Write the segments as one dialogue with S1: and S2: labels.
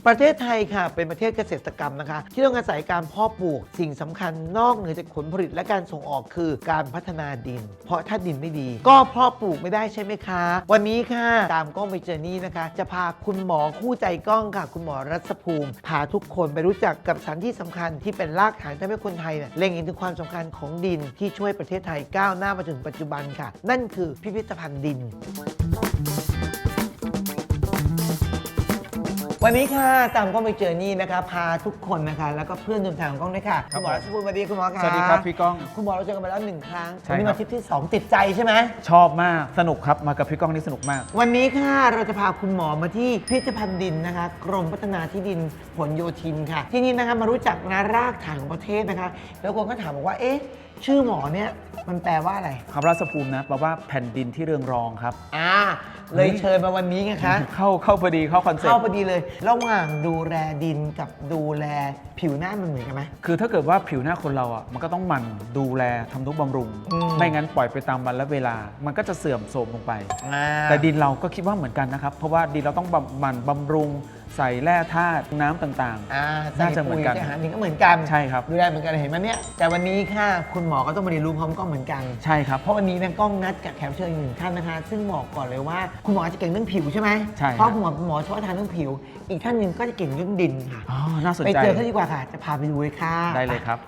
S1: ประเทศไทยค่ะเป็นประเทศเกษตรกรรมนะคะที่ต้องอาศัยการเพาะปลูกสิ่งสำคัญนอกเหนือจากผลผลิตและการส่งออกคือการพัฒนาดิน เพราะถ้าดินไม่ดี ก็เพาะปลูกไม่ได้ใช่ไหมคะ วันนี้ค่ะตามกล้องไปเจอนี่นะคะ จะพาคุณหมอคู่ใจกล้องค่ะ คุณหมอรัศภูมิพาทุกคนไปรู้จักกับสถานที่สำคัญที่เป็นรากฐานทำให้คนไทยเนี่ยเล็งเห็นถึงความสำคัญของดินที่ช่วยประเทศไทยก้าวหน้ามาถึงปัจจุบันค่ะ นั่นคือพิพิธภัณฑ์ดิน วันนี้ค่ะตามกล้องไปเจอนี่นะคะพาทุกคนนะคะแล้วก็เพื่อนร่วมทางของกล้องด้วยค่ะคุณหมอรัชภูมิสวัสดีคุณหมอค่ะ
S2: สวัสดีครับพี่ก้อง
S1: คุณหมอเราเจอกันมาแล้ว1 ครั้ง
S2: ใช่
S1: วันนี้
S2: ครั
S1: มา
S2: บ
S1: ทริปที่ 2 ติดใจใช่ไหม
S2: ชอบมากสนุกครับมากับพี่ก้องนี่สนุกมาก
S1: วันนี้ค่ะเราจะพาคุณหมอมาที่พิพิธภัณฑ์ดินนะคะกรมพัฒนาที่ดินผลโยธินค่ะ ที่นี่นะคะมารู้จักนะรากฐานของประเทศนะคะแล้วคนก็ถามบอกว่าเอ๊ะชื่อหมอเนี่ยมันแปลว่าอะไร
S2: คำราชภูมินะแปลว่าแผ่นดินที่เรืองรองครับ
S1: เลยเชิญมาวันนี้ไงคะ
S2: เข้าพอดีเข้าคอนเซ็ป
S1: เข้า
S2: ต์
S1: พอดีเลย ระหว่างดูแลดินกับดูแลผิวหน้ามันเหมือนกันไหม
S2: คือถ้าเกิดว่าผิวหน้าคนเราอ่ะมันก็ต้องหมั่นดูแลทำนุบำรุง ไม่งั้นปล่อยไปตามวันและเวลา มันก็จะเสื่อมโทรมลงไป แต่ดินเราก็คิดว่าเหมือนกันนะครับ เพราะว่าดินเราต้องหมั่นบำรุงใส่แร่ธาตุน้ำต่าง น่าจะเหมือนกัน
S1: ใส่ปุ๋ยใส่อาหารนี่ก็เหมือนกัน
S2: ใช่ครับ
S1: ดูแลเหมือนกันเห็นไหมเนี่ยแต่วันนี้ค่ะคุณหมอก็ต้องมาเรียนรู้พร้อมกล้องเหมือนกัน
S2: ๆ ใช่ครับ
S1: เพราะวันนี้นะกล้องนัดกับแขกรับเชิญอีก1 ท่านนะคะ ซึ่งบอกก่อนเลยว่าคุณหมอจะเก่งเรื่องผิวใช่ไหม
S2: ใช่ครับ
S1: เพราะคุณหมอเฉพาะทางเรื่องผิว อีกท่านหนึ่งก็จะเก่งเรื่องดินค่ะ
S2: อ๋อน่าสน
S1: ไป
S2: ใจ
S1: เจอเขาดีกว่าค่ะ จะพาไปดูเลยค่ะ
S2: ได้เลยครับ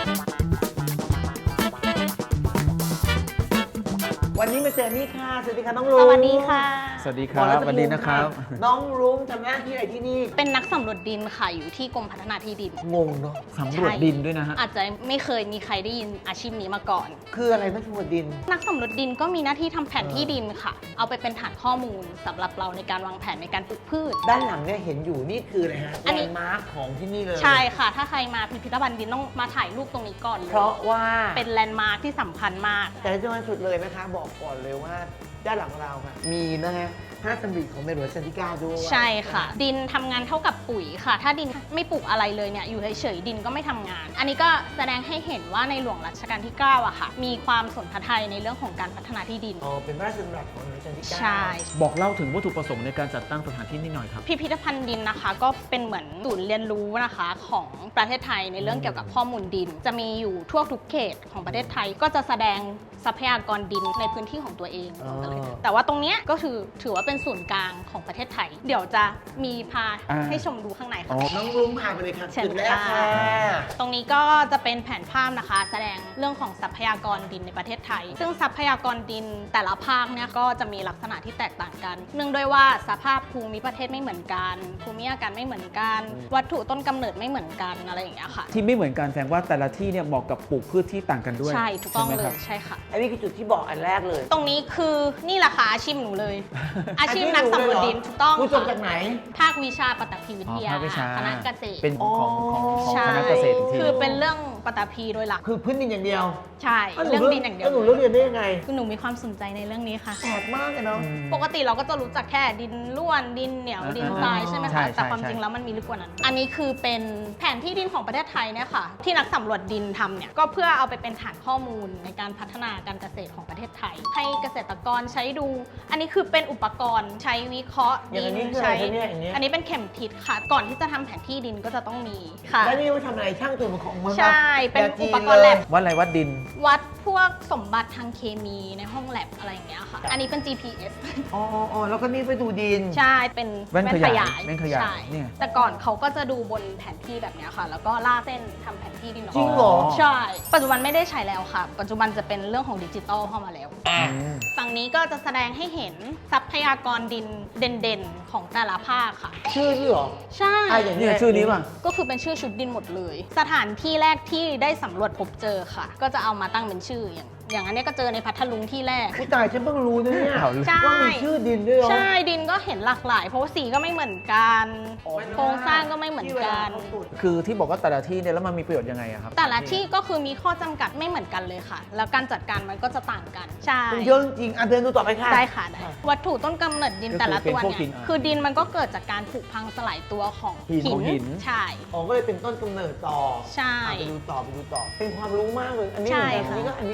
S1: วันนี้มาเจอนี่ค่ะสวัสดีค่ะน้องลุง
S3: สวัสดีค่ะ
S2: สวัสดีครับสวัสดีนะครับ
S1: น้องลุงทำหน้าที่อะไรที่นี่
S3: เป็นนักสำรวจดินค่ะอยู่ที่กรมพัฒนาที่ดิน
S1: งงเนาะ
S2: สำรวจดินด้วยนะฮะ
S3: อาจจะไม่เคยมีใครได้ยินอาชีพนี้มาก่อน
S1: คืออะไรนักสำรวจดิน
S3: นักสำรวจดินก็มีหน้าที่ทำแผนที่ดินค่ะ เอาไปเป็นฐานข้อมูลสำหรับเราในการวางแผนในการปลูกพืช
S1: ด้านหลังเนี่ยเห็นอยู่นี่คืออะไรฮะ
S3: อันนี้
S1: แลนด์มาร์คของที่นี่เลย
S3: ใช่ค่ะ ถ้าใครมาพิพิธภัณฑ์ดินต้องมาถ่ายรูปตรงนี้ก่อนเลย
S1: เพราะว่า
S3: เป็นแลนด์มาร์คที่สำคัญมาก
S1: แต่ที่สำคัญสุดเลยนะคะ บอกก่อนเลยว่าด้านหลังเราค่ะมีนะฮะพระราชดำริของในหลวงรัชกาลที่ 9 ด้วย
S3: ใช่ค่ะ ดินทำงานเท่ากับปุ๋ยค่ะ ถ้าดินไม่ปลูกอะไรเลยเนี่ยอยู่เฉยๆดินก็ไม่ทำงาน อันนี้ก็แสดงให้เห็นว่าในหลวงรัชกาลที่ 9อะค่ะ มีความสนพระทัยในเรื่องของการพัฒนาที่ดิน
S1: อ๋อเป็นพระราชดำรัสของในหลวงรัชกาลที่ 9
S3: ใช่
S2: บอกเล่าถึงวัตถุประสงค์ในการจัดตั้งสถานที่นิดหน่อยครับ
S3: พิพิธภัณฑ์ดินนะคะ ก็เป็นเหมือนศูนย์เรียนรู้นะคะของประเทศไทยในเรื่องเกี่ยวกับข้อมูลดิน จะมีอยู่ทั่วทุกเขตของประเทศไทยก็จะแสดงทรัพยากรดินในพื้นที่ของตัวเองแต่ว่าตรงเนี้ยก็ถือว่าเป็นศูนย์กลางของประเทศไทย เดี๋ยวจะมีพาให้ชมดูข้างในค่ะ
S1: น้องลุงพาไปเลยค่ะ
S3: เชิญ
S1: จุดแรก
S3: ค่ะ
S1: ค่ะ
S3: ตรงนี้ก็จะเป็นแผนภาพนะคะ แสดงเรื่องของทรัพยากรดินในประเทศไทย ซึ่งทรัพยากรดินแต่ละภาคเนี่ยก็จะมีลักษณะที่แตกต่างกัน เนื่องด้วยว่าสภาพภูมิประเทศไม่เหมือนกัน ภูมิอากาศไม่เหมือนกัน วัตถุต้นกำเนิดไม่เหมือนกันอะไรอย่างเงี้ยค่ะ
S2: ที่ไม่เหมือนกันแสดงว่าแต่ละที่เนี่ยเหมาะกับปลูกพืชที่ต่างกันด้วย
S3: ใช่ถูกต้อง
S2: ใช่ไหม
S3: เล
S2: ครับ
S3: ยใช่ค่ะ
S1: อันนี้คือจุดที่บอกอันแรกเลย
S3: ตรงนี้คือนี่แหละค่ะอาชีพหนูเลย อาชีพนักสำรวจดินถูกต้อง
S1: ผู้จบจากไหน
S3: ภาควิชาปฐพีวิทยา
S2: อ๋อภาควิชา
S3: คณะเกษตร
S2: เป็นของ
S3: ใช่
S2: คณะเกษตรอีกที
S3: คือเป็นเรื่องปฐพีโดยหลัก
S1: คือพื้นดินอย่างเดียว
S3: ใช่เรื่องดินอย่างเดียว
S1: แล้วหนูเลือกเรียนได้ยังไง
S3: คือหนูมีความสนใจในเรื่องนี้ค่ะ
S1: แปลกมากเลยเนาะ
S3: ปกติเราก็จะรู้จักแค่ดินร่วนดินเหนียวดินทรายใช่ไหม
S2: ใช่
S3: คะ
S2: ใช่
S3: แต่ความ
S2: ใช่
S3: จริงแล้วมันมีลึกกว่านั้น อันนี้คือเป็นแผนที่ดินของประเทศไทยเนี่ยค่ะ ที่นักสำรวจดินทำเนี่ยก็เพื่อเอาไปเป็นฐานข้อมูลในการพัฒนาการเกษตรของประเทศไทย ให้เกษตรกรใช้ดู อันนี้คือเป็นอุปกรณ์ใช้วิเคราะห์
S1: อย่างอันนี้
S3: ดิน
S1: คืออะไร
S3: ใช้
S1: คะเนี่ยอย่างเงี้ย
S3: อันนี้เป็นเข็มทิศค่ะ ก่อนที่จะทำแผนที่ดินก็จะต้องมีค่ะ
S1: แล้วนี่ว่าทำอะไรช่างตัวมันของมัน
S3: ใช่เป็น
S1: แบบจี
S3: อุปกรณ์แลบ
S2: วัดอะไรวัดดิน
S3: วัดพวกสมบัติทางเคมีในห้องแลบอะไรอย่างเงี้ยค่ะ อันนี้เป็น GPS
S1: อ๋อแล้วก็นี่ไปดูดิน
S3: ใช่ เป็น
S2: แว่นขยายแว่นขยาย
S3: ใช่
S2: เนี่ย
S3: แต่ก่อนเขาก็จะดูบนแผนที่แบบเนี้ยค่ะ แล้วก็ลากเส้นทำแผนที่ดินออก
S1: จริง
S3: มา
S1: เหรอ
S3: ใช่ ปัจจุบันไม่ได้ใช้แล้วค่ะ ปัจจุบันจะเป็นเรื่องของดิจิตอลเข้ามาแล้ว ฝั่งนี้ก็จะแสดงให้เห็นทรัพยากรดินเด่นๆ ของแต่ละภาคค่ะ
S1: ชื่อนี่เหรอ
S3: ใช่
S1: อย่าง
S2: เนี่ยชื่อนี้ป่ะ
S3: ก็คือเป็นชื่อชุดดินหมดเลย สถานที่แรกที่ได้สำรวจพบเจอค่ะ ก็จะเอามาตั้งเป็นชื่ออย่างอันเนี้ยก็เจอในพัทลุงที่แรก
S1: ผู้ตายฉันเพิ่งรู้นะเนี่ย
S2: เอา
S3: ใช่
S1: ว่ามีชื่อดินด้วยเหรอ
S3: ใช่ดินก็เห็นหลากหลาย เพราะว่าสีก็ไม่เหมือนกัน
S1: อ๋อ
S3: โครงสร้างก็ไม่เหมือน
S1: ที่เว
S3: กั
S1: ลาน เขาขุด
S2: คือที่บอกว่าแต่ละที่เนี่ยแล้วมันมีประโยชน์ยังไงอะครับ
S3: แต่ละที่ก็คือมีข้อจำกัดไม่เหมือนกันเลยค่ะ แล้วการจัดการมันก็จะต่างกัน ใช่
S1: มันเยอะจริงๆอ่ะเดินดูต่อไปค่ะ
S3: ได้ค่ะได้วัตถุต้นกำเนิดดิน
S2: ก็คือ
S3: แต่ละตัว
S2: เป็นพวกหิ
S3: เนี่ย
S2: น
S3: คือดินมันก็เกิดจากการผุพังสลายตัวของ
S2: หิน
S3: ใช่
S1: อ๋อก็เลยเป็นต้นกำเนิดต่อ
S3: ใช่
S1: ไปดูต่อ เป็นความรู้มากเลย อันนี้
S3: ใช่
S1: เหมือนกัน
S3: ค่ะ
S1: อันนี้ก็อย่าง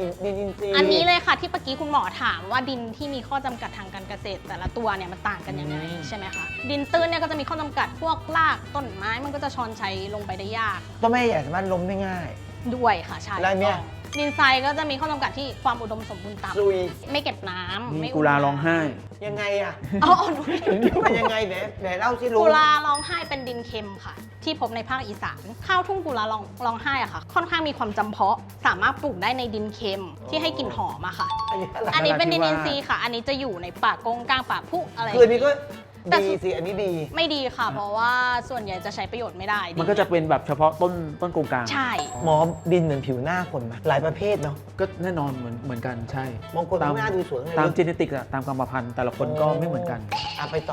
S1: ดินอินทรีย์
S3: อันนี้เลยค่ะที่เมื่อกี้คุณหมอถามว่าดินที่มีข้อจำกัดทางการเกษตร แต่ละตัวเนี่ยมันต่างกันยังไงใช่ไหมคะดินตื้นเนี่ยก็จะมีข้อจำกัดพวกรากต้นไม้มันก็จะชอนชัยลงไปได้ยาก
S1: ต้นไม้ใหญ่สามารถล้มได้ง่าย
S3: ด้วยค่ะใช่
S1: แล้วเนี่ย
S3: ดินทรายก็จะมีข้อจำกัดที่ความอุดมสมบูรณ์ต่
S1: ซุย
S3: ำไม่เก็บน้ำ
S2: มี
S3: ไม่
S2: กุลาร้องไห้
S1: ยังไงอ่ะ
S3: อ๋อหนู
S1: มันยังไงไหนเล่าสิลุง
S3: กุลาร้องไห้เป็นดินเค็มค่ะ ที่พบในภาคอีสานข้าวทุ่งกุลาร้องไห้อะค่ะ ค่อนข้างมีความจำเพาะสามารถปลูกได้ในดินเค็มที่ให้กลิ่นหอมอะค่ะ อันนี้เป็นดินอินทรีย์ค่ะ อันนี้จะอยู่ในป่ากงกลางป่าพุอะไร
S1: คืออันนี้ก็
S3: แต่
S1: ดีสิอันนี้ดี
S3: ไม่ดีค่ะ เพราะว่าส่วนใหญ่จะใช้ประโยชน์ไม่ได้
S2: มันก็จะเป็นแบบเฉพาะต้นกงกลาง
S3: ใช่
S1: หมอดินเหมือนผิวหน้าคนไหมหลายประเภทเนาะ
S2: ก็แน่นอนเหมือนกันใช่
S1: บางคนผิวหน้าดูสวยไง
S2: ตามจีเนติกอะตามกรรมพันธุ์แต่ละคนก็ไม่เหมือนกัน
S1: ไปต่อ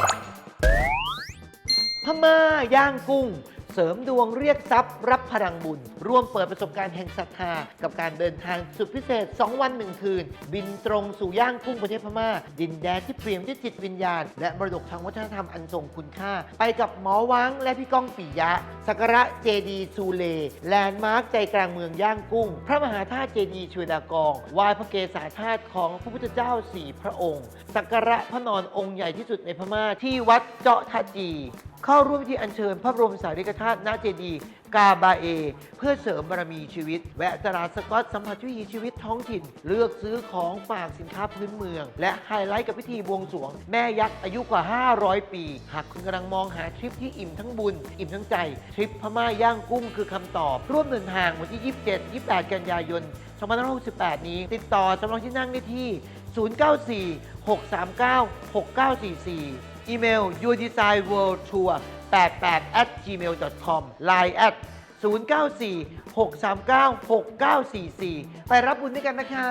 S1: พม่าย่างกุ้ง เสริมดวงเรียกทรัพย์รับพลังบุญ ร่วมเปิดประสบการณ์แห่งศรัทธา กับการเดินทางสุดพิเศษ 2 วัน 1 คืน บินตรงสู่ย่างกุ้งประเทศพม่า ดินแดนที่เปลี่ยนด้วยจิตวิญญาณ และมรดกทางวัฒนธรรมอันทรงคุณค่า ไปกับหมอวังและพี่ก้องปิยะ สักการะเจดีย์ซูเลแลนด์มาร์คใจกลางเมืองย่างกุ้ง พระมหาธาตุเจดีย์ชเวดากองไหว้พระเกศาธาตุของพระพุทธเจ้า4 พระองค์ สักการะพระนอนองค์ใหญ่ที่สุดในพม่าที่วัดเจาะทาจี เข้าร่วมพิธีอัญเชิญพระบรมสารีริกธาตุณเจดีย์กาบาเอ เพื่อเสริมบารมีชีวิต แวะตลาดสกอตสัมผัสวิถีชีวิตท้องถิ่น เลือกซื้อของฝากสินค้าพื้นเมือง และไฮไลท์กับพิธีบวงสรวง แม่ยักษ์อายุกว่า 500 ปี หากคุณกำลังมองหาทริปที่อิ่มทั้งบุญ อิ่มทั้งใจ ทริปพม่าย่างกุ้งคือคำตอบ ร่วมเดินทางวันที่ 27-28 กันยายน 2568 นี้ ติดต่อจำลองที่นั่งได้ที่ 094-639-6944 อีเมล yourdesignworldtour88@gmail.com line at 094-639-6944 ไปรับบุญด้วยกันนะคะ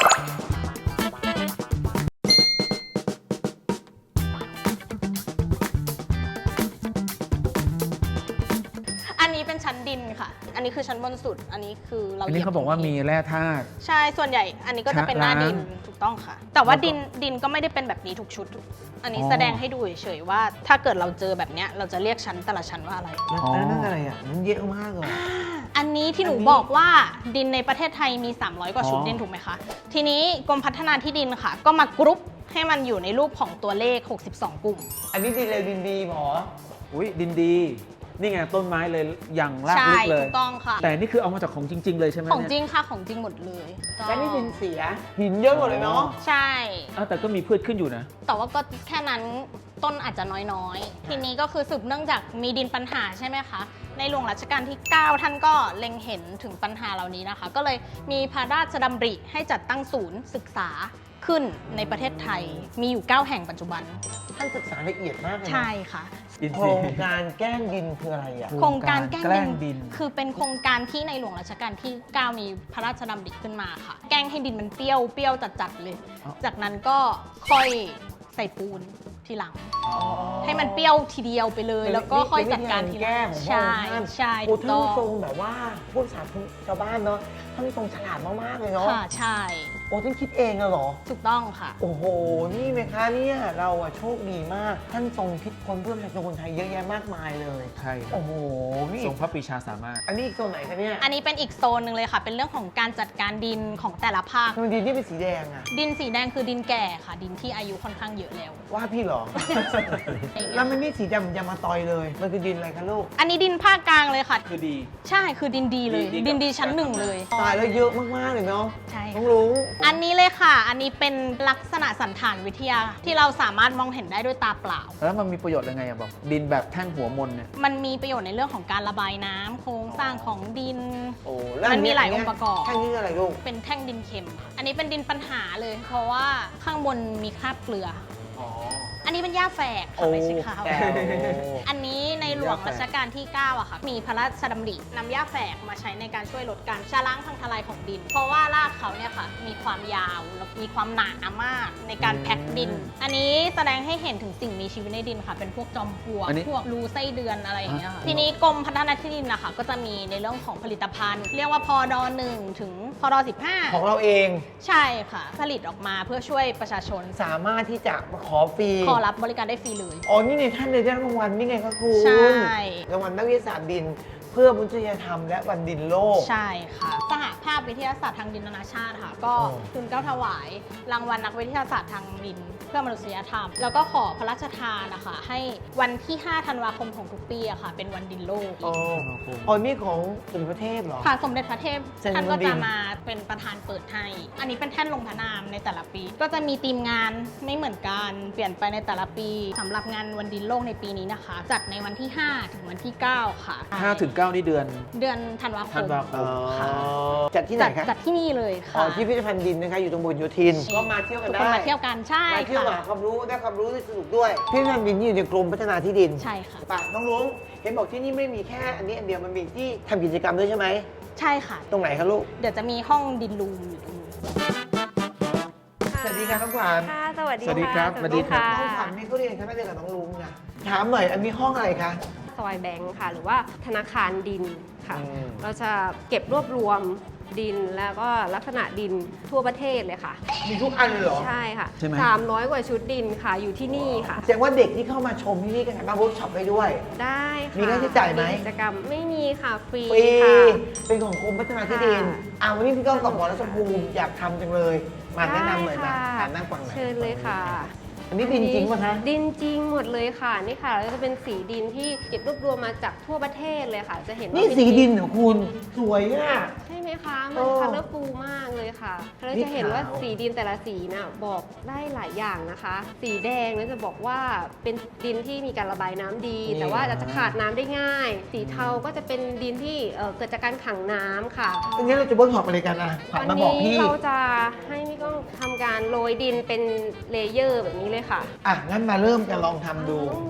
S3: อันนี้เป็นชั้นดินค่ะ อันนี้คือชั้นบนสุด อันนี้คือเรา
S2: อันนี้เขาบอกว่ามีแร่ธาตุ
S3: ใช่ ส่วนใหญ่ อันนี้ก็จะเป็นหน้าดิน ถูกต้องค่ะ แต่ว่าดินก็ไม่ได้เป็นแบบนี้ทุกชุด อันนี้แสดงให้ดูเฉยๆว่า ถ้าเกิดเราเจอแบบเนี้ยเราจะเรียกชั้นแต่ละชั้นว่าอะไร
S1: นั่นอะไรอ่ะ มันเยอะมากเลย
S3: อันนี้ที่หนู
S1: อันนี้
S3: บอกว่าดินในประเทศไทยมี 300 กว่าชุดดินถูกไหมคะ ทีนี้กรมพัฒนาที่ดินค่ะ ก็มากรุ๊ปให้มันอยู่ในรูปของตัวเลข 62 กลุ่ม
S1: อันนี้ดินเร็วดินดีหมอ
S2: อุ้ยดินดี นี่ไงต้นไม้เลยอย่างราก
S3: ใช่
S2: ลึกเล
S3: ถู
S2: ย
S3: กต้องค่ะ
S2: แต่นี่คือเอามาจากของจริง ๆ เลยใช่ไหม
S3: ของจริ
S2: เนี่ย
S3: งค่ะ ของจริงหมดเลย
S1: และนี่ดินเสีย หินเยอะหมดเลยเนาะ
S3: ใช่
S2: แต่ก็มีพืชขึ้นอยู่นะ
S3: แต่ว่าก็แค่นั้นต้นอาจจะน้อยๆ ทีนี้ก็คือสืบเนื่องจากมีดินปัญหาใช่ไหมคะ ในหลวงรัชกาลที่ 9 ท่านก็เล็งเห็นถึงปัญหาเหล่านี้นะคะ ก็เลยมีพระราชดำริให้จัดตั้งศูนย์ศึกษาขึ้นในประเทศไทย มีอยู่ 9 แห่งปัจจุบัน
S1: ท่านศึกษาละเอียดมากเลยนะ
S3: ใช่ค่ะ
S2: ดิน
S1: โค
S2: ซี
S1: รงการแกล้งดินคืออะไรอ่ะ
S3: โครงการแกล้
S2: แกล้
S3: ง
S2: ง
S3: ดิ
S2: ดิ
S3: น
S2: น
S3: คือเป็นโครงการที่ในหลวงรัชกาลที่ 9 มีพระราชดำริขึ้นมาค่ะ แกล้งให้ดินมันเปรี้ยวจัดๆเลย
S2: อ๋อ
S3: จากนั้นก็ค่อยใส่ปูนทีหลัง ให้มันเปรี้ยวทีเดียวไปเลย แล้วก็ค่อยจัดการทีห
S1: แก้
S3: ลัง
S1: ของพระ
S3: ใช่
S1: องค์ท่าน
S3: ใช่
S1: โอ้
S3: ถูก
S1: ท่าน
S3: ต้อง
S1: ทรงแบบว่าพวกสาธุชาวบ้านเนาะท่านทรงฉลาดมากๆเลยเนาะ
S3: ค่ะใช่
S1: โอ้ท่านคิดเองเหรอ
S3: ถูกต้องค่ะ
S1: โอ้โห นี่ไหมคะเนี่ยเราอะโชคดีมาก ท่านทรงคิดค้นเพื่อประชาชนคนไทยเยอะแยะมากมายเลย
S2: ใช่ครับ
S1: โอ้โห นี่
S2: ทรงพระปรีชาสามารถ
S1: อันนี้อีกโซนไหนคะเนี่ย
S3: อันนี้เป็นอีกโซนหนึ่งเลยค่ะ เป็นเรื่องของการจัดการดินของแต่ละภาค
S1: ทำไมดินที่เป็นสีแดงอะ
S3: ดินสีแดงคือดินแก่ค่ะ ดินที่อายุค่อนข้างเยอะแล้ว
S1: ว่าพี่เหรอ แล้วมันนี่สีดำยามาตอยเลย มันคือดินอะไรคะลูก
S3: อันนี้ดินภาคกลางเลยค่ะ
S2: คือดี
S3: ใช่คือดินดีเลย
S2: ดีกับ
S3: ดินดีชั้นหนึ่งเลย
S1: ตายแล้วเยอะมากๆเลยเนาะ
S3: ใช่
S1: ต้อ
S3: ค่ะ
S1: งรู้
S3: อันนี้เลยค่ะ อันนี้เป็นลักษณะสันฐานวิทยาที่เราสามารถมองเห็นได้ด้วยตาเปล่า
S2: แล้วมันมีประโยชน์ยังไงอะบอก ดินแบบแท่งหัวมนเนี่ย
S3: มันมีประโยชน์ในเรื่องของการระบายน้ำโครงสร้างของดิน
S1: โอ้
S3: มันมีหลายองค์ประกอบ
S1: แค่นี้อะไรลูก
S3: เป็นแท่งดินเค็มค่ะอันนี้เป็นดินปัญหาเลย เพราะว่าข้างบนมีคราบเกลือ
S1: อ๋อ
S3: อันนี้เป็นหญ้าแฝก
S1: โอ้
S3: ค่ะไม่ใช่ข้าว
S1: แก้ว
S3: อันนี้ในหลวงรัชกาลที่ 9อะค่ะ มีพระราชดำรินำหญ้าแฝกมาใช้ในการช่วยลดการชะล้างพังทลายของดิน เพราะว่ารากเขาเนี่ยค่ะ มีความยาวและมีความหนามากในการแพ็คดิน อันนี้แสดงให้เห็นถึงสิ่งมีชีวิตในดินค่ะ เป็นพวกจอมปลวก
S2: อันนี้
S3: พวกรูไส้เดือนอะไรอย่างเงี้ยค่ะ
S2: อ่ะ
S3: ทีนี้กรมพัฒนาที่ดินนะคะก็จะมีในเรื่องของผลิตภัณฑ์ เรียกว่าพอด1ถึงพอด15
S1: ของเราเอง
S3: ใช่ค่ะ ผลิตออกมาเพื่อช่วยประชาชน
S1: สามารถที่จะมาขอฟรี
S3: ขอรับบริการได้ฟรีเลย
S1: อ๋อ นี่ไงท่านเลยได้รางวัลนี่ไงคะคุณ
S3: ใช่
S1: รางวัลนักวิทยาศาสตร์ดินเพื่อมนุษยธรรมและวันดินโลก
S3: ใช่ค่ะสหภาพวิทยาศาสตร์ทางดินนานาชาติค่ะ ก็
S1: อ๋อ
S3: ทุนเกล้าถวายรางวัลนักวิทยาศาสตร์ทางดินเพื่อมนุษยธรรม แล้วก็ขอพระราชทานนะคะให้วันที่ 5 ธันวาคมของทุกปีอะค่ะ เป็นวันดินโลก
S1: อ๋ออ๋อนี่ของสมเด็จพระเทพเหรอ
S3: ค่ะสมเด็จพระเทพ
S1: เซ็น
S3: ท่านก็
S1: บนดิ
S3: จะ
S1: น
S3: มาเป็นประธานเปิดให้ อันนี้เป็นแท่นลงพระนามในแต่ละปี ก็จะมีธีมงานไม่เหมือนกันเปลี่ยนไปในแต่ละปีสำหรับงานวันดินโลกในปีนี้นะคะ จัดในวันที่ 5 ถึงวันที่ 9 ค่ะ
S2: 5 ถึง 9 นี่เดือน
S3: เดือนธันวาค
S2: ธัน
S3: ม
S2: วาคม
S3: ค่ะ
S1: จัดที่ไหนคะ
S3: จัดที่นี่เลย
S1: อ๋อ
S3: ค่ะ
S1: ที่พิพิธภัณฑ์ดินนะคะอยู่ตรงบนโยธินก็มาเที่ยวกัน
S3: ทุก
S1: ได้
S3: คนมาเที่ยวกันใช่
S1: มาเที่ยวหา
S3: ค่ะ
S1: ความรู้ได้ความรู้ได้สนุกด้วยพิพิธภัณฑ์ดินนี่อยู่ในกรมพัฒนาที่ดิน
S3: ใช่ค่ะ
S1: ป่ะน้องลุงเห็นบอกที่นี่ไม่มีแค่อันนี้อันเดียวมันมีที่ทำกิจกรรมด้วยใช่ไหม
S3: ใช่ค่ะ
S1: ตรงไหนคะลูก
S3: เดี๋ยวจะมีห้องดินรูมอยู่ตรงนี้
S1: สวัสดีค่ะน้องขวัญ
S4: ค่ะ สวัสดี
S2: สวัสดีครับ
S4: ะ
S2: สวัสดีครับ
S1: น้องขวัญนี่เขาเรียนคณะเดียวกับน้องลุงนะถามหน่อยอันนี้ห้องอะไรคะ
S4: ซอยแบงค์ค่ะ หรือว่าธนาคารดินค่ะ
S1: อืม
S4: เราจะเก็บรวบรวมดินแล้วก็ลักษณะดินทั่วประเทศเลยค่ะ
S1: มีทุกอันเลยเหรอ
S4: ใช่ค่ะ
S2: ใช่ไหม
S4: 300 กว่าชุดดินค่ะ อยู่ที่นี่ค่ะ
S1: แสดงว่าเด็กที่เข้ามาชมที่นี่ก็สามารถเวิร์กช็อปได้ด้วย
S4: ได้ค่ะ
S1: มีค่าใช้จ่ายไหม
S4: กิจกรรมไม่มีค่ะ ฟรี
S1: ฟรี
S4: ค่ะ
S1: เป็นของกรมพัฒนาที่ดิน
S4: ค่ะ
S1: วันนี้พี่ก้องกับหมอรัชภูมิอยากทำจังเลย มาแนะนำหน่อย
S4: ได้
S1: นะ
S4: ค่ะ
S1: นั่งฟังหน่อย
S4: เชิญเลยค่ะ
S1: อันนี้ดินจริงป่ะคะ
S4: ดินจริงหมดเลยค่ะ นี่ค่ะแล้วจะเป็นสีดินที่เก็บรวบรวมมาจากทั่วประเทศเลยค่ะ จะเห็นว่า
S1: นี่
S4: เป็
S1: สีดินเหรอคุณ สวยอ่ะ
S4: ใช่ไหมคะ
S1: โอ้
S4: มันคัลเลอร์ฟูลมากเลยค่ะเรา
S1: นี่
S4: จะเห็นว่า
S1: ขาว
S4: สีดินแต่ละสีน่ะบอกได้หลายอย่างนะคะ สีแดงเนี่ยจะบอกว่าเป็นดินที่มีการระบายน้ำดี แต่ว่าจะขาดน้ำได้ง่าย สีเทาก็จะเป็นดินที่เกิดจากการขังน้ำค่ะ
S1: งั้นเราจะเวิร์กช็อปอะไรกันอ่ะขวัญ
S4: วั
S1: มาบอก
S4: นี้
S1: พี่
S4: เราจะให้พี่ก้องทำการโรยดินเป็นเลเยอร์แบบนี้เลยค่ะ
S1: อ่ะ งั้นมาเริ่มกันลองทำดู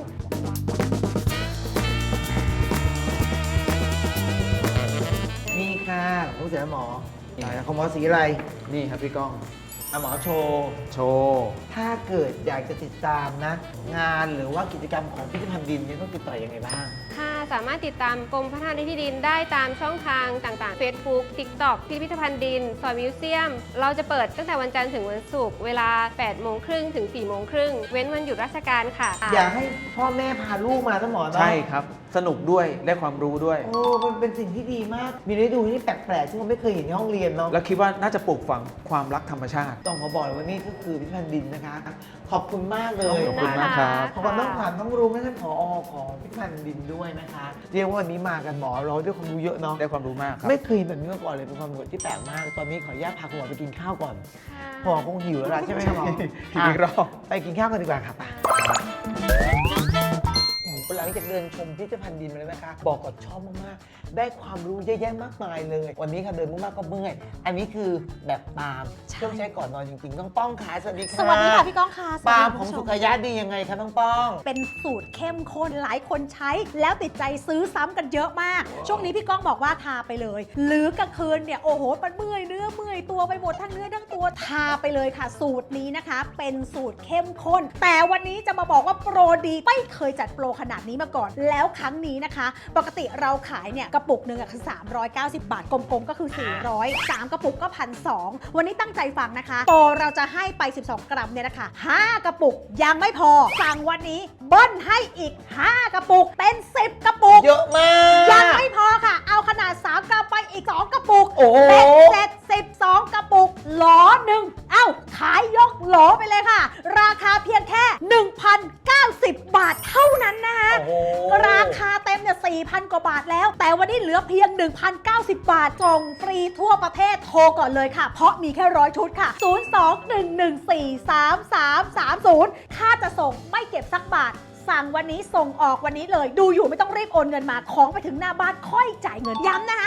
S1: นี่ค่ะผู้เสียหมอไหนของหมอสีอะไร
S2: นี่ครับพี่ก้อง
S1: อ่ะหมอโชว์
S2: โชว์
S1: ถ้าเกิดอยากจะติดตามนะ งานหรือว่ากิจกรรมของพิพิธภัณฑ์ดินเนี่ยต้องติดต่อยังไงบ้าง
S4: ค่ะสามารถติดตามกรมพัฒนาที่ดินได้ตามช่องทางต่างๆ Facebook TikTok พิพิธภัณฑ์ดินซอยมิวเซียม เราจะเปิดตั้งแต่วันจันทร์ถึงวันศุกร์เวลา 8:30 ถึง 4:30 เว้นวันหยุดราชการค่ะ
S1: อยากให้พ่อแม่พาลูกมาทั้งหมอเนาะ
S2: ใช่ครับ สนุกด้วยได้ความรู้ด้วย
S1: โอ้มันเป็นสิ่งที่ดีมาก มีฤดูที่แปลกๆซึ่งเราไม่เคยเห็นในห้องเรียนเนาะ
S2: แล้วคิดว่าน่าจะปลูกฝังความรักธรรมชาติ
S1: ต้องขอบอกเลยว่านี่ก็คือพิพิธภัณฑ์ดินนะคะ ขอบคุณมากเลย
S2: ขอบคุณมากครับ
S1: ขอบคุณต้องผ่านต้องรู้ไม่ท่านผอของพิพิธภัณฑ์ดินด้วยนะคะ เรียกว่าวันนี้มากันหมอเราได้ความรู้เยอะเนาะ
S2: ได้ความรู้มากครับ
S1: ไม่เคยเห็นแบบนี้มาก่อนเลยเป็นความรู้ที่แปลกมาก ตอนนี้ขออนุญาตพาคุณหมอไปกินข้าวก่อน
S4: ค่ะ
S1: หมอคงหิวแล้วล่ะใช่ไหมครับหมอ
S2: หิวอีกรอบ
S1: ไปกินข้าวกันดีกว่าครับไปหลังจากเดินชมพิพิธภัณฑ์ดินมาแล้วนะคะ บอกก่อนชอบมากๆ ได้ความรู้เยอะแยะมากมายเลย วันนี้ค่ะเดินมากๆก็เมื่อย อันนี้คือแบบปาล์มเครื่องใช้ก่อนนอนจริงๆต้องป้องขาสวัสดีค่ะ
S5: สวัสดีค่ะพี่ก้องค่ะ
S1: ปาล์ม
S5: ส
S1: ข
S5: วั
S1: อง
S5: สดี
S1: สุ
S5: คุณ
S1: ข
S5: ผู้ชม
S1: ยะดียังไงคะน้องป้อง
S5: เป็นสูตรเข้มข้นหลายคนใช้ แล้วติดใจซื้อซ้ำกันเยอะมาก ช่วงนี้พี่ก้องบอกว่าทาไปเลย หรือกลางคืนเนี่ยโอ้โหมันเมื่อยเนื้อเมื่อยตัวไปหมดทั้งเนื้อทั้งตัวทาไปเลยค่ะ สูตรนี้นะคะ เป็นสูตรเข้มข้น แต่วันนี้จะมาบอกว่าโปรดีไม่เคยจัดโปรขนาดนี้มาก่อน แล้วครั้งนี้นะคะ ปกติเราขายเนี่ยกระปุกหนึ่งอะคือ390 บาทกลมๆก็คือ 400 3กระปุกก็ 1,200 วันนี้ตั้งใจฟังนะคะโปรเราจะให้ไป 12 กรัมเนี่ยนะคะ5กระปุกยังไม่พอสั่งวันนี้เบิ้ลให้อีก 5 กระปุกเป็น 10 กระปุก
S1: เยอะมาก
S5: ยังไม่พอค่ะ เอาขนาด 3 กรัมไปอีก 2 กระปุก
S1: โอ้โห
S5: เป็นเสร็จ12 กระปุกหลอหนึ่งเอ้าขายยกโหลไปเลยค่ะ ราคาเพียงแค่ 1,090 บาทเท่านั้นนะคะ
S1: โอ้โห
S5: ราคาเต็มเนี่ย 4,000 กว่าบาทแล้ว แต่วันนี้เหลือเพียง 1,090 บาทส่งฟรีทั่วประเทศโทรก่อนเลยค่ะ เพราะมีแค่100 ชุดค่ะ 02-114-3330 ค่าจะส่งไม่เก็บสักบาท สั่งวันนี้ส่งออกวันนี้เลย ดูอยู่ไม่ต้องรีบโอนเงินมา ของไปถึงหน้าบ้านค่อยจ่ายเงิน ย้ำนะคะ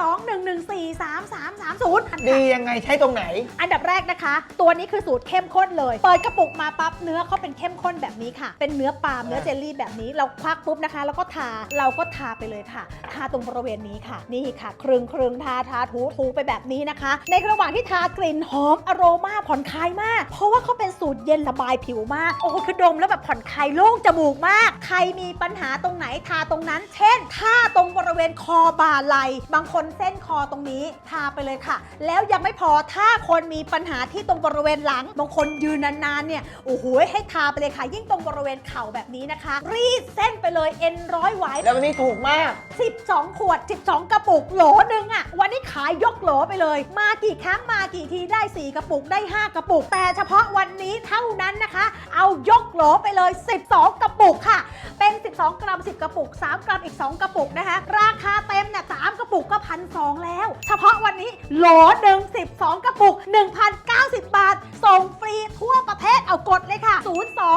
S5: 02-114-3330
S1: ดียังไงใช้ตรงไหน
S5: อันดับแรกนะคะ ตัวนี้คือสูตรเข้มข้นเลย เปิดกระปุกมาปั๊บเนื้อเขาเป็นเข้มข้นแบบนี้ค่ะ เป็นเนื้อปาล์มเนื้อเจลลี่แบบนี้ เราควักปุ๊บนะคะ แล้วก็ทาเราก็ทาไปเลยค่ะ ทาตรงบริเวณนี้ค่ะ นี่ค่ะครึงทาถูไปแบบนี้นะคะ ในระหว่างที่ทากลิ่นหอมอโรมาผ่อนคลายมาก เพราะว่าเขาเป็นสูตรเย็นระบายผิวมาก โอ้โหคือดมแล้วแบบผ่อนคลายโล่งจมูกถูกมากใครมีปัญหาตรงไหนทาตรงนั้น เช่นถ้าตรงบริเวณคอบ่าไหล่บางคนเส้นคอตรงนี้ทาไปเลยค่ะ แล้วยังไม่พอถ้าคนมีปัญหาที่ตรงบริเวณหลังบางคนยืนนานๆเนี่ยโอ้โหให้ทาไปเลยค่ะยิ่งตรงบริเวณเข่าแบบนี้นะคะ รีดเส้นไปเลยเอ็นร้อยไหว
S1: แล้ววันนี้ถูกมาก
S5: 12 ขวด 12 กระปุกโหลนึงอะวันนี้ขายยกโหลไปเลย มากี่ครั้งมากี่ทีได้ 4 กระปุกได้ 5 กระปุก แต่เฉพาะวันนี้เท่านั้นนะคะ เอายกโหลไปเลย 12 กระปุกค่ะ เป็น 12 กรัม 10 กระปุก 3 กรัมอีก 2 กระปุกนะคะ ราคาเต็มเนี่ย3กระปุกก็1,200แล้ว เฉพาะวันนี้โหลหนึ่ง12 กระปุก 1,090 บาท ส่งฟรีทั่วประเทศเอากดเลยค่ะ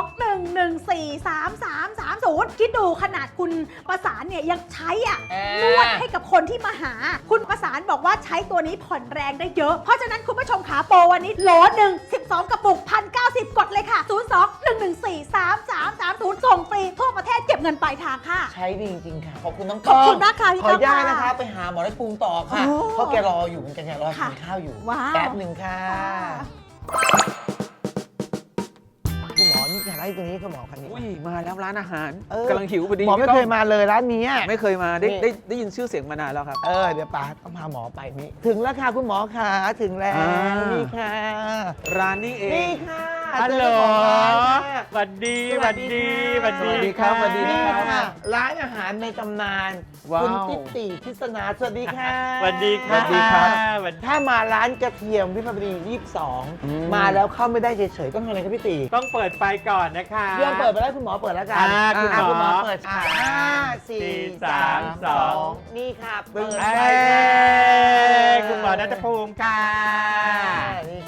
S5: 02-114-3330 คิดดูขนาดคุณประสานเนี่ยยังใช้นวดให้กับคนที่มาหา คุณประสานบอกว่าใช้ตัวนี้ผ่อนแรงได้เยอะ เพราะฉะนั้นคุณผู้ชมขาโปรวันนี้โหลหนึ่ง12 กระปุก 1,090 กดเลยค่ะ 02-114-3330 ส่งฟรีทั่วประเทศเก็บเงินปลายทางค่ะ
S1: ใช้ดีจริงๆค่ะ ขอบคุณน้อง
S5: ขอบคุณมากค่ะพี่
S1: ขออนุญาต
S5: ก้องค่ะ
S1: นะคะ ไปหาหมอได้ปรุงต่อค่ะ
S5: โอ้
S1: เพราะแกรออยู่เหมือนกันแกรอกิน
S5: ค่ะ
S1: ข้าวอยู่
S5: ว้าว
S1: แป๊บหนึ่งค่ะ คุณหมอนี่อะไรตรงนี้คุณหมอคันนี้
S2: อุ้ยมาแล้วร้านอาหาร
S1: เออ
S2: กำลังหิวพอดี
S1: หมอไม่
S2: พี่ก้ง
S1: เคยมาเลยร้านนี้
S2: ไม่เคยมาได้
S1: นี่
S2: ได้ยินชื่อเสียงมานานแล้วครับ
S1: เดี๋ยวป้าต้องพาหมอไปนี่ถึงแล้วค่ะคุณหมอค่ะถึงแล้ว
S2: อ่านี่
S1: นี่ค่ะ
S2: ร้านนี้เอ
S1: นี่
S2: ง
S1: ค่ะ
S6: ฮัลโหล
S1: เจอเจ้าของร้านค่ะ
S6: สวัสดีสวัสดีสวัส
S2: สวัสดี
S6: ดี
S2: ครับสวัสดี
S1: นี่
S2: ครับ
S1: ค่ะร้านอาหารในตำนาน
S2: ว้าว
S1: คุณติ๊ติทิศนาสวัสดีค่ะ
S6: สวัสดีค่ะ
S2: สวัสดีครับ
S6: สวัสดี
S1: ถ้ามาร้านกระเทียมวิภาวดี
S2: อืม
S1: 22 มาแล้วเข้าไม่ได้เฉยๆต้องทำอะไรครับพี่ตี
S6: ต้องเปิดไฟก่อนนะคะ
S1: เรื่องเปิดไปแล้วคุณหมอเปิดแล้วกัน
S6: คุณหมอ
S1: คุณหมอเปิด5 4 3 2 นี่ค่ะเปิด
S6: เอ้
S1: ไฟค่ะ
S6: ยคุณหมอนัทภูมิค่ะ
S1: นี่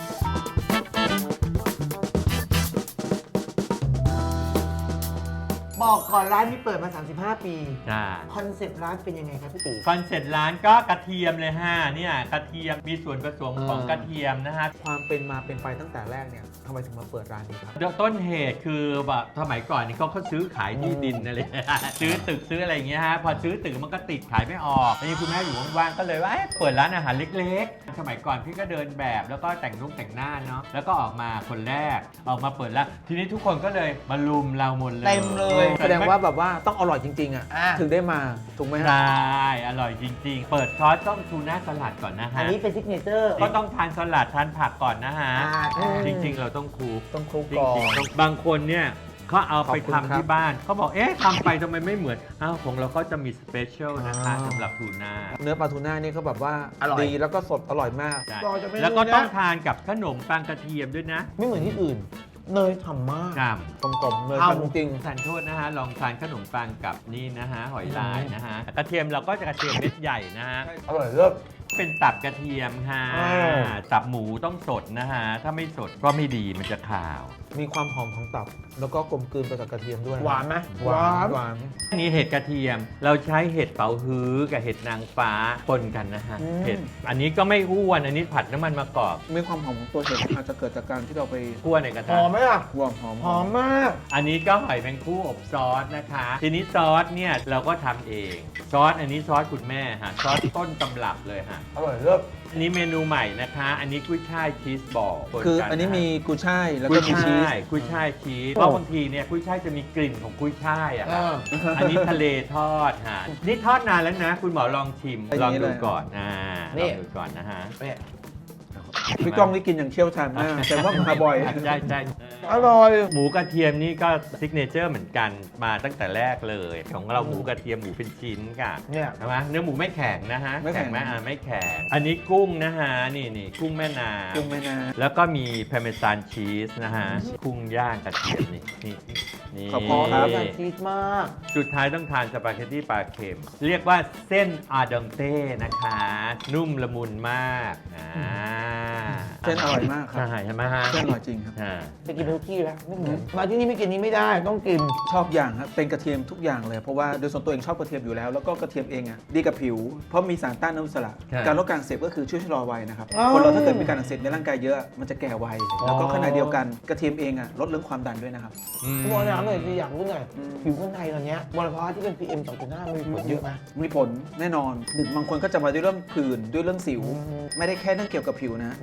S1: บอกก่อนร้านนี้เปิดมา 35 ปี
S6: จ้า
S1: คอนเซ็ปต์ร้านเป็นยังไงครับพี่ตี
S6: คอนเซ็ปต์ร้านก็กระเทียมเลยฮะเนี่ยกระเทียมมีส่วนผสมของกระเทียมนะฮะ
S2: ความเป็นมาเป็นไปตั้งแต่แรกเนี่ยทำไมถึงมาเปิดร้านนี้ครับ
S6: ต้นเหตุคือแบบสมัยก่อนนี่เขาซื้อขายที่ดินอะไร ซื้อตึกซื้ออะไรอย่างเงี้ยฮะพอซื้อตึกมันก็ติดขายไม่ออกทีนี้คุณแม่อยู่ว่างๆก็เลยว่าเปิดร้านอาหารเล็กๆ สมัยก่อนพี่ก็เดินแบบแล้วก็แต่งรุ่งแต่งหน้าเนาะแล้วก็ออกมาคนแรกออกมาเปิดร้านทีนี้ทุกคนก็เลยมาลุมเราหมดเลย
S1: เต็มเลย
S2: แสดงว่าแบบว่าต้องอร่อยจริงๆอ่ะ
S1: อ่ะ
S2: ถึงได้มาถูกไหม
S6: ใช
S2: ฮะ
S6: ่อร่อยจริงๆ เปิดคอร์สต้องทูน่าสลัดก่อนนะ
S1: อั
S6: ฮะ
S1: นนี้เป็นซิกเนเจอร์
S6: ก็ต้องทานสลัดทานผักก่อนนะฮะ
S1: อืม
S6: จริงๆ เราต้องคลุก
S2: ต้องคลุก
S6: จ
S2: ก่อ
S6: ริง
S2: น
S6: ๆต้องบางคนเนี่ยเขาเอาไป
S2: ขอบคุณ
S6: ทำ
S2: ครับ
S6: ที่บ้านเขาบอกเอ๊ะทำไปทำไมไม่เหมือนอ้าวของเราก็จะมีสเปเชียลนะคะสำหรับทูน่า
S2: เนื้อปลาทูน่านี่เขาแบบว่า
S1: อร่อย
S2: ดีแล้วก็สดอร่อยมาก
S6: ใช่
S1: ต่อจากเมนู
S6: แล้วก็ต้อง
S1: นะ
S6: ทานกับขนมปังกระเทียมด้วยนะ
S1: ไม่เหมือนที่อื่น เนยฉ่ำมาก
S6: ครับ
S2: กลมๆเลย
S1: เอา
S2: จริง
S6: ทานโทษนะฮะลองทานขนมปังกับนี่นะฮะหอยลายนะฮะกระเทียมเราก็จะกระเทียมเม็ดใหญ่นะฮะ
S1: อร่อยเลิศ
S6: เป็นตับกระเทียมค่ะ
S1: อ้าว
S6: ตับหมูต้องสดนะฮะ ถ้าไม่สดก็ไม่ดีมันจะขาว
S2: มีความหอมของตับ แล้วก็กลมกลืนไปกับกระเทียมด้วย
S1: หวานไหม
S2: หวานหวาน
S6: นี่เห็ดกระเทียม เราใช้เห็ดเป๋าฮื้อกับเห็ดนางฟ้าปนกันนะฮะ เห็ด อันนี้ก็ไม่อ้วน อันนี้ผัดน้ำมันมะกอก
S2: มีความหอมของตัวเห็ดอาจจะเกิดจากการที่เราไป
S6: คั่วในกระ
S1: ห
S6: ทะ
S1: อมไหมล่ะ
S2: หวานหอม
S1: หอมมาก
S6: อันนี้ก็หอยแมงคู่อบซอสนะคะ ทีนี้ซอสเนี่ยเราก็ทำเอง ซอสอันนี้ซอสคุณแม่ฮะ ซอสต้นตำรับเลยฮะ
S1: อร่อยเลิศ
S6: อันนี้เมนูใหม่นะคะ อันนี้กุ้ยช่ายชีสบอลปกั
S2: คืออันนี้มีกุยช่ายแล้ว
S6: กุ้
S2: ก็
S6: ย
S2: มีชีส
S6: ช่ายกุ้ยช่ายชีสเพราะบางทีเนี่ยกุ้ยช่ายจะมีกลิ่นของกุ้ยช่ายอะครับอันนี้ทะเลทอดฮะนี่ทอดนานแล้วนะ คุณหมอลองชิม
S2: อันนี้
S6: ลองดู
S2: เลย
S6: ก่อนล
S1: นี่
S6: องดูก่อนนะฮะ
S1: เนี่ย
S2: พี่ก้องนี่กินอย่างเชี่ยวชาญมากแต่ว่ามาบ่อย
S6: ใช่ใช่
S1: อร่อย
S6: หมูกระเทียมนี่ก็ซิกเนเจอร์เหมือนกันมาตั้งแต่แรกเลย ของเราหมูกระเทียมหมูเป็นชิ้นค่ะ
S1: เนี่ย
S6: ใช่ไหมเนื้อหมูไม่แข็งนะฮะ
S2: ไม่แข็ง
S6: ไหมไม่แข็งอันนี้กุ้งนะฮะนี่กุ้งแม่น้ำ
S2: กุ้งแม่น้
S6: แล้วก็มีพาเมซานชีสนะฮะกุ้งย่างกระเทียมนี่
S2: ขอบคุณครับ
S1: อยากชีสมาก
S6: สุดท้ายต้องทานสปาเกตตี้ปลาเค็ม เรียกว่าเส้นอาดองเต้นะคะ นุ่มละมุนมาก
S2: ำเส้นอร่อยมากครับ
S6: ใช่ไหมฮะ
S2: เส้นอร่อยจริงครับ
S6: อ่า
S1: ไปกินทุกที่แล้วไม่เหมือนมาที่นี่ไม่กินนี้ไม่ได้ต้องกิน
S2: ชอบอย่างครับเป็นกระเทียมทุกอย่างเลย เพราะว่าโดยส่วนตัวเองชอบกระเทียมอยู่แล้ว แล้วก็กระเทียมเองอ่ะดีกับผิว เพราะมีสารต้านอนุมูลอิสระ การลดการอักเสบก็คือช่วยชะลอวัยนะครับ
S1: อ๋อ
S2: คนเราถ้าเกิดมีการอักเสบในร่างกายเยอะมันจะแก่ไวแล้วก็ขณะเดียวกันกระเทียมเองอ่ะลดเรื่องความดันด้วยนะครับ
S1: คุณหมอถามหน่อยสิอยากรู้หน่อยผิวคนไทยตอนเนี้ยมลภาวะที่เป็น PM 2.5มันมีผลเยอะไหม
S2: มีผลแน่นอนหนึ่งบางคนก็จะมาด้วยเรื่องผื่นด้วยเรื่องสิว ไม่ได้แค่เรื่องเกี่ยวกับผิวนะ
S1: อืม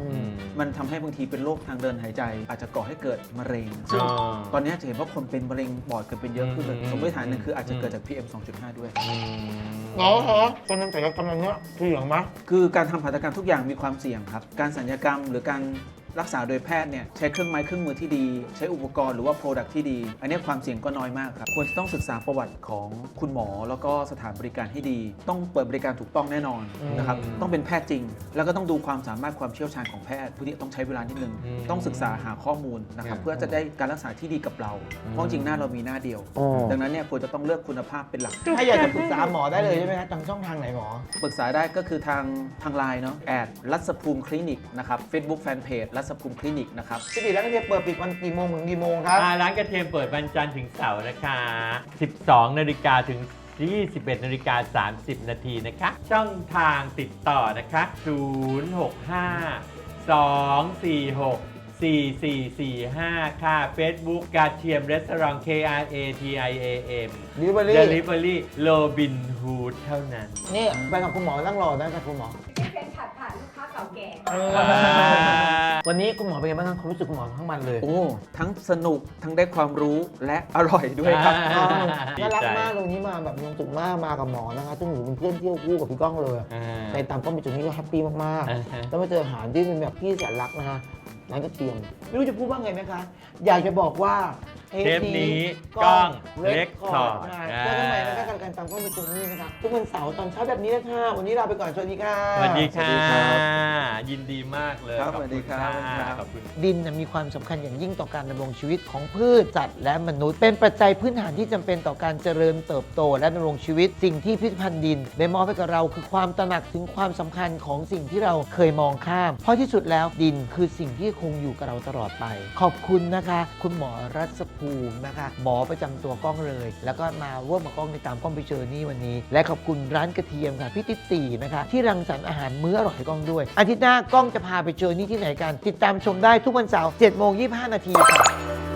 S2: มันทำให้บางทีเป็นโรคทางเดินหายใจ อาจจะก่อให้เกิดมะเร็งซึ่งตอนนี้จะเห็นว่าคนเป็นมะเร็งปอดกันเป็นเยอะขึ้นเลยสมมติฐานหนึ่งคืออาจจะเกิดจาก PM 2.5 ด้วย
S1: หมอคะการทำศัลยกรรมอันนี้เสี่ยงไหม
S2: คือการทำหัตถกรรมทุกอย่างมีความเสี่ยงครับการศัลยกรรมหรือการรักษาโดยแพทย์เนี่ยใช้เครื่องไม้เครื่องมือที่ดีใช้อุปกรณ์หรือว่า Product ที่ดี อันนี้ความเสี่ยงก็น้อยมากครับควรจะต้องศึกษาประวัติของคุณหมอแล้วก็สถานบริการให้ดี ต้องเปิดบริการถูกต้องแน่นอนนะครับต้องเป็นแพทย์จริง แล้วก็ต้องดูความสามารถความเชี่ยวชาญของแพทย์ผู้ที่ต้องใช้เวลานิดนึงต้องศึกษาหาข้อมูลนะครับเพื่อจะได้การรักษาที่ดีกับเราเพราะจริงหน้าเรามีหน้าเดียว ดังนั้นเนี่ยควรจะต้องเลือกคุณภาพเป็นหลัก
S1: ถ้าอยากจะปรึกษาหมอได้เลยใช่ไหมคะทางช่องทางไหนหมอ
S2: ปรึกษาได้ก็คือทางไลน์เนาะรัศภูมิคลินิกนะครับ Facebook Fanpage รัศภูมิคลินิกนะครับ
S1: ปกติแล้วก็จะเปิดปิดวันกี่โมงถึงกี่โมงครับ
S6: ร้านกระเทียมเปิดวันจันทร์ถึงเสาร์นะคะ 12 นาฬิกาถึง 21 นาฬิกา 30 นาทีนะคะ ช่องทางติดต่อนะคะ 065 246 4445 ค่ะ Facebook กระเทียมรีสอร์ท KRATIAM Delivery Robin Hood เท่านั้น
S1: นี่ไปกับคุณหมอนั่งรอได้กับคุณหมอ
S4: เป็นผัดผ่านลูกค้าเก่าแก่
S1: วันนี้คุณหมอเป็นไงบ้างครับความรู้สึกคุณหมอทั้งมันเลย
S2: โอ้ทั้งสนุกทั้งได้ความรู้และอร่อยด้วยครับ
S1: น่ารักมากเลยวันนี้มาแบบมีความสุขมากมากับหมอนะคะซึ่งหนูเป็นเพื่อนเที่ยวคู่กับพี่ก้องเลยในตามก้องไปจุดนี้ก็แฮปปี้มากๆแล้วมาเจออาหารที่เป็นแบบพี่แสนรักนะคะร้านกระเทียมไม่รู้จะพูดว่าไงไหมคะ อยากจะบอกว่า
S6: เทปนี้กล้องเล็กคอร์ด
S1: เจอกันใหม่นะคะการตามกล้องไปจุดนี้นะคะทุกวันเสาร์ตอนเช้าแบบนี้นะคะวันนี้ลาไปก่อนสวัสดีค่ะ
S6: สวัสดีค่ะ
S2: สวัสดีครับ
S6: ยินดีมากเลย
S2: ครับ
S6: ขอบ
S2: สวัสดี
S6: คุณ
S2: ครับ
S6: ค่ะขอบคุณ
S1: ดินมีความสำคัญอย่างยิ่งต่อการดำรงชีวิตของพืชสัตว์และมนุษย์ เป็นปัจจัยพื้นฐานที่จำเป็นต่อการเจริญเติบโตและดำรงชีวิต สิ่งที่พิพิธภัณฑ์ดินได้มอบให้กับเราคือความตระหนักถึงความสำคัญของสิ่งที่เราเคยมองข้าม เพราะที่สุดแล้วดินคือสิ่งที่คงอยู่กับเราตลอดไป ขอบคุณนะคะ คุณหมอรัศภูมินะคะ หมอประจำตัวกล้องเลย แล้วก็มาร่วมกับกล้องในตามกล้องไปเจอนี่วันนี้ และขอบคุณร้านกระเทียมค่ะพี่ติ๊ตีนะคะที่รังสรรค์อาหารมื้ออร่อยให้กล้องด้วยอาทิตย์หน้ากล้องจะพาไปเจอนี่ที่ไหนกัน ติดตามชมได้ทุกวันเสาร์ 7:25 น.ค่ะ